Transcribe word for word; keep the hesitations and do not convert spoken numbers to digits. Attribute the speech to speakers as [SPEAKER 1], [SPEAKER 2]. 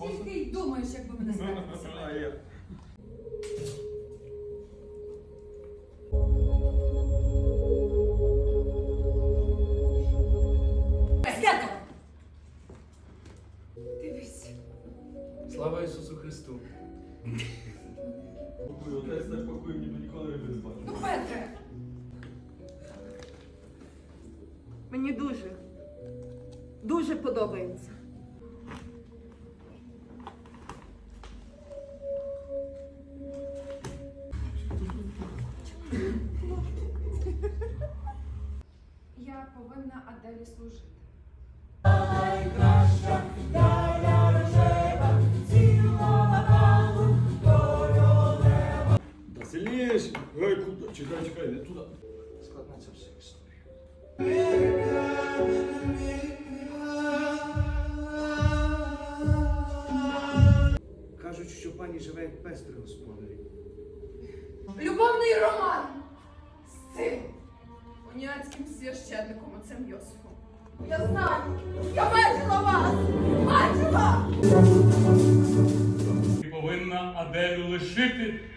[SPEAKER 1] Тільки й думаєш, як би мене спати
[SPEAKER 2] А
[SPEAKER 1] поселити.
[SPEAKER 2] я.
[SPEAKER 1] Свято! Дивись.
[SPEAKER 3] Слава Ісусу Христу!
[SPEAKER 2] Пакую, отець так пакує, ніби ніколи риби не бачив.
[SPEAKER 1] Ну, Петре!
[SPEAKER 4] Мені дуже, дуже подобається.
[SPEAKER 1] Я повинна Аделі служити.
[SPEAKER 2] Та сильніше. Ой, куди? Чекай, чекай, не туди.
[SPEAKER 3] Складна ця вся історія. Кажуть, що пані живе як пес при господарі.
[SPEAKER 1] Любовний роман з цим уніатським священником, отцем Йосифом. Я знаю! Я бачила вас! Бачила!
[SPEAKER 5] Ти повинна Аделю лишити